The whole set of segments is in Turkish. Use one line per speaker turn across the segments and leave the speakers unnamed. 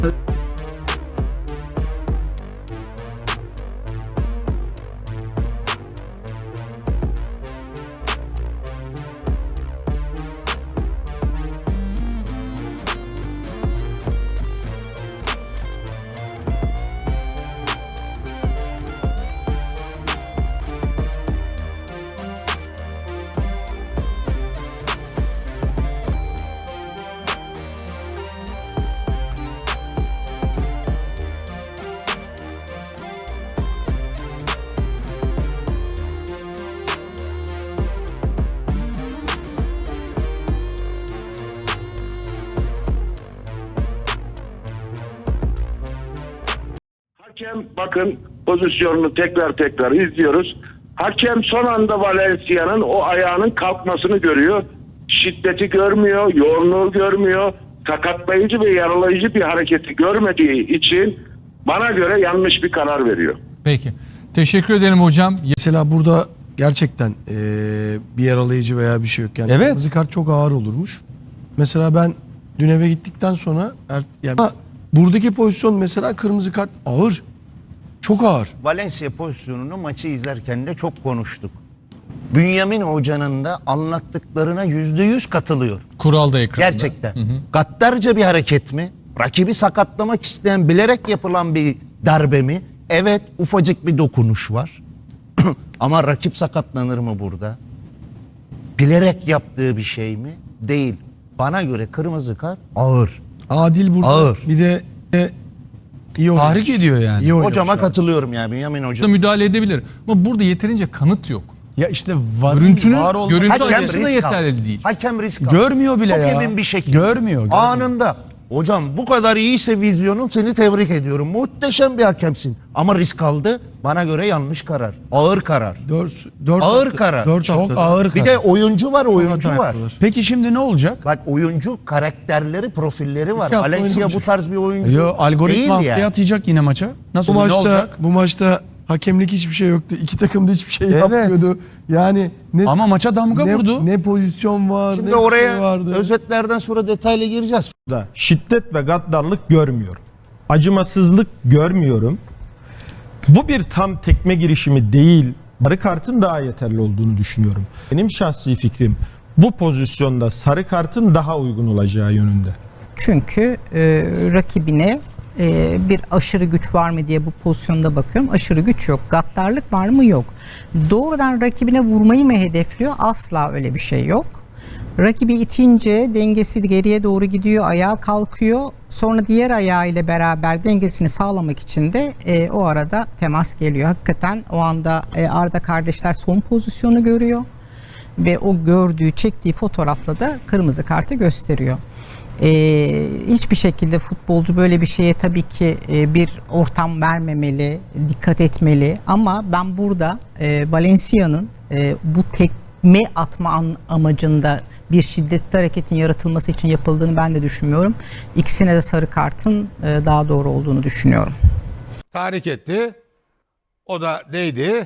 Hakem bakın pozisyonunu tekrar izliyoruz. Hakem son anda Valencia'nın o ayağının kalkmasını görüyor. Şiddeti görmüyor, yoğunluğu görmüyor. Sakatlayıcı ve yaralayıcı bir hareketi görmediği için bana göre yanlış bir karar veriyor.
Peki. Teşekkür ederim hocam.
Mesela burada gerçekten bir yaralayıcı veya bir şey yok. Yani
Evet.
kırmızı kart çok ağır olurmuş. Mesela ben dün eve gittikten sonra buradaki pozisyon mesela kırmızı kart ağır. Çok ağır.
Valencia pozisyonunu maçı izlerken de çok konuştuk. Bünyamin Hoca'nın da anlattıklarına %100 katılıyor.
Kural da ekranda.
Gerçekten. Gaddarca bir hareket mi? Rakibi sakatlamak isteyen, bilerek yapılan bir darbe mi? Evet, ufacık bir dokunuş var. Ama rakip sakatlanır mı burada? Bilerek yaptığı bir şey mi? Değil. Bana göre kırmızı kart ağır.
Adil burada.
Ağır.
Bir de iyi oynamış.
Tahrik ediyor yani.
İyi oynamış
Hocama
abi.
katılıyorum yani Bünyamin Hoca.
Müdahale edebilir. Ama burada yeterince kanıt yok.
Ya işte
Görüntü
Hakem
açısı da
risk
yeterli
aldı.
değil.
Hakem risk aldı.
görmüyor bile
Çok
ya.
emin bir şekilde.
Görmüyor.
Anında. Hocam bu kadar iyiyse vizyonun, seni tebrik ediyorum. Muhteşem bir hakemsin. Ama risk aldı. Bana göre yanlış karar. Ağır karar.
Dört
Ağır
hafta-
karar.
dört
Çok
haftada.
ağır
Bir
karar.
de oyuncu var, oyuncu
hata
var.
yaptılar.
Peki şimdi ne olacak?
Bak oyuncu karakterleri, profilleri var.
İki hafta
Valencia bu
oynamayacak.
tarz bir oyuncu
Yo, algoritma
değil
haftaya
yani.
atacak yine maça. Nasıl
Bu
ne
maçta
olacak?
bu maçta hakemlik hiçbir şey yoktu. İki takım da hiçbir şey
Evet.
yapmıyordu. Yani ne
Ama maça damga vurdu.
ne pozisyon var,
Şimdi
ne
oraya
şey vardı.
özetlerden sonra detaylı gireceğiz.
da şiddet ve gaddarlık görmüyorum. Acımasızlık görmüyorum. Bu bir tam tekme girişimi değil. Sarı kartın daha yeterli olduğunu düşünüyorum. Benim şahsi fikrim bu pozisyonda sarı kartın daha uygun olacağı yönünde.
Çünkü rakibine bir aşırı güç var mı diye bu pozisyonda bakıyorum. Aşırı güç yok. Gaddarlık var mı? Yok. Doğrudan rakibine vurmayı mı hedefliyor? Asla öyle bir şey yok. Rakibi itince dengesi geriye doğru gidiyor, ayağa kalkıyor. Sonra diğer ayağıyla beraber dengesini sağlamak için de o arada temas geliyor. Hakikaten o anda Arda kardeşler son pozisyonu görüyor ve o gördüğü, çektiği fotoğrafla da kırmızı kartı gösteriyor. Hiçbir şekilde futbolcu böyle bir şeye tabii ki bir ortam vermemeli, dikkat etmeli. Ama ben burada Valencia'nın bu tekme atma amacında bir şiddetli hareketin yaratılması için yapıldığını ben de düşünmüyorum. İkisine de sarı kartın daha doğru olduğunu düşünüyorum.
Tahrik etti. O da değdi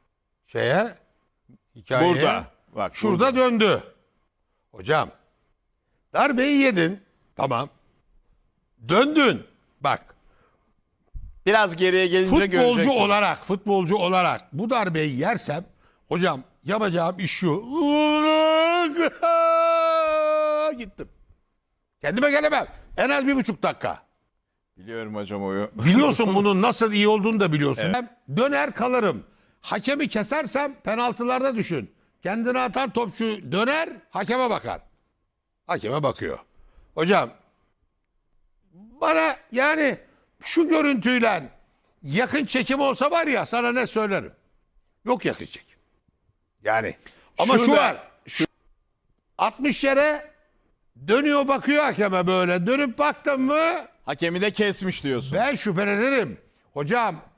hikayeye.
Burada. Bak,
Şurada döndü. Hocam darbeyi yedin. Tamam. Döndün. Bak.
biraz geriye gelince
Futbolcu olarak bu darbeyi yersem hocam yapacağım iş şu. Gittim. Kendime gelemem. En az 1,5 dakika.
Biliyorum hocam oyu.
Biliyorsun bunun nasıl iyi olduğunu da biliyorsun. Evet. Ben döner kalırım. Hakemi kesersem penaltılarda düşün. Kendine atan topçu döner, hakeme bakar. Hakeme bakıyor. Hocam bana yani şu görüntüyle yakın çekim olsa var ya sana ne söylerim. Yok yakın çekim. Yani ama şu var. 60 yere dönüyor bakıyor hakeme böyle. Dönüp baktın mı
Hakemi de kesmiş diyorsun.
ben şüphelenirim. Hocam